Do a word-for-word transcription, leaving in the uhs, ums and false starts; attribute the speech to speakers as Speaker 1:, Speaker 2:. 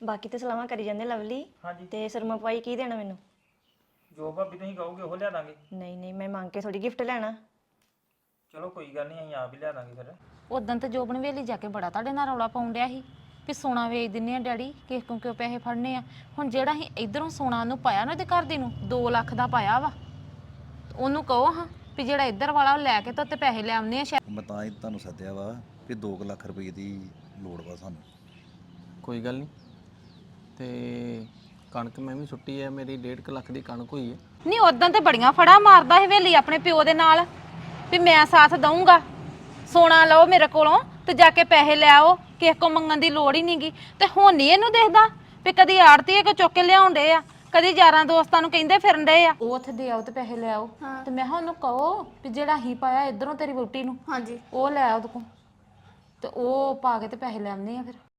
Speaker 1: ਬਾਕੀ ਤੇ ਸਲਾਮਾਂ ਕਰੀ ਜਾਂਦੇ ਲਵਲੀ
Speaker 2: ਹਾਂਜੀ
Speaker 1: ਤੇ ਸਰਮਾ ਪਾਈ ਕੀ ਦੇਣਾ ਮੈਨੂੰ?
Speaker 2: ਜੋ ਭਾਬੀ ਤੁਸੀਂ ਕਹੋਗੇ ਉਹ ਲਿਆ ਦਾਂਗੇ।
Speaker 1: ਨਹੀਂ ਨਹੀਂ ਮੈਂ ਮੰਗ ਕੇ ਥੋੜੀ ਗਿਫਟ ਲੈਣਾ।
Speaker 2: ਚਲੋ ਕੋਈ ਗੱਲ ਨਹੀਂ ਅਸੀਂ ਆਪ ਹੀ ਲਿਆ ਦਾਂਗੇ ਫਿਰ।
Speaker 3: ਉਦੋਂ ਤੇ ਜੋਬਨ ਵੇਲੀ ਜਾ ਕੇ ਬੜਾ ਤੁਹਾਡੇ ਨਾਲ ਰੌਲਾ ਪਾਉਣ ਡਿਆ ਸੀ ਵੀ ਸੋਨਾ ਵੇਚ ਦਿੰਨੇ ਆ ਡੈਡੀ ਕਿਸ ਕੋਲ ਕਿਉਂ ਪੈਸੇ ਫੜਨੇ ਆ। ਹੁਣ ਜਿਹੜਾ ਅਸੀਂ ਇਧਰੋਂ ਸੋਨਾ ਨੂੰ ਪਾਇਆ ਨਾ ਉਹਦੇ ਘਰ ਦੀ ਨੂੰ ਦੋ ਲੱਖ ਦਾ ਪਾਇਆ ਵਾ ਉਹਨੂੰ ਕਹੋ ਹਾਂ ਵੀ ਜਿਹੜਾ ਇੱਧਰ ਵਾਲਾ ਉਹ ਲੈ ਕੇ ਤਾਂ ਉੱਤੇ ਪੈਸੇ ਲੈ ਆਉਂਦੇ ਆ ਸ਼ਾਇਦ।
Speaker 4: ਮੈਂ ਤਾਂ ਹੀ ਤੁਹਾਨੂੰ ਸੱਦਿਆ ਵਾ ਵੀ ਦੋ ਕੁ ਲੱਖ ਰੁਪਏ ਦੀ ਲੋੜ ਵਾ ਸਾਨੂੰ।
Speaker 5: ਕੋਈ ਗੱਲ ਨਹੀਂ ਤੇ ਕਣਕ ਮੈਂ ਵੀ ਸੁੱਟੀ ਹੈ ਮੇਰੀ ਡੇਢ ਕੁ ਲੱਖ ਦੀ ਕਣਕ ਹੋਈ ਹੈ।
Speaker 3: ਨਹੀਂ ਉਦੋਂ ਤੇ ਬੜੀਆਂ ਫੜਾ ਮਾਰਦਾ ਸੀ ਵੇਲੀ ਆਪਣੇ ਪਿਓ ਦੇ ਨਾਲ ਵੀ ਮੈਂ ਸਾਥ ਦਊਂਗਾ ਸੋਨਾ ਲਓ ਮੇਰੇ ਕੋਲੋਂ ਤੇ ਜਾ ਕੇ ਪੈਸੇ ਲੈ ਆਓ ਕਿਸੇ ਕੋ ਮੰਗਣ ਦੀ ਲੋੜ ਹੀ ਨਹੀਂਗੀ। ਤੇ ਹੁਣ ਨਹੀਂ ਇਹਨੂੰ ਦੇਖਦਾ ਵੀ ਕਦੀ ਆੜਤੀ ਕੋ ਚੁੱਕ ਕੇ ਲਿਆਉਂਦੇ ਆ ਕਦੀ ਯਾਰਾਂ ਦੋਸਤਾਂ ਨੂੰ ਕਹਿੰਦੇ ਫਿਰਨ ਦੇ ਆ ਉਹ ਉੱਥੇ ਦੇ ਆਓ ਤੇ ਪੈਸੇ ਲੈ ਆਓ। ਤੇ ਮੈਂ ਕਿਹਾ ਉਹਨੂੰ ਕਹੋ ਵੀ ਜਿਹੜਾ ਹੀ ਪਾਇਆ ਇਧਰੋਂ ਤੇਰੀ ਵੋਟੀ ਨੂੰ
Speaker 6: ਹਾਂਜੀ
Speaker 3: ਉਹ ਲੈ ਆ ਉਹਦੇ ਕੋਲ ਤੇ ਉਹ ਪਾ ਕੇ ਤੇ ਪੈਸੇ ਲੈ ਆਉਂਦੇ ਆ ਫਿਰ।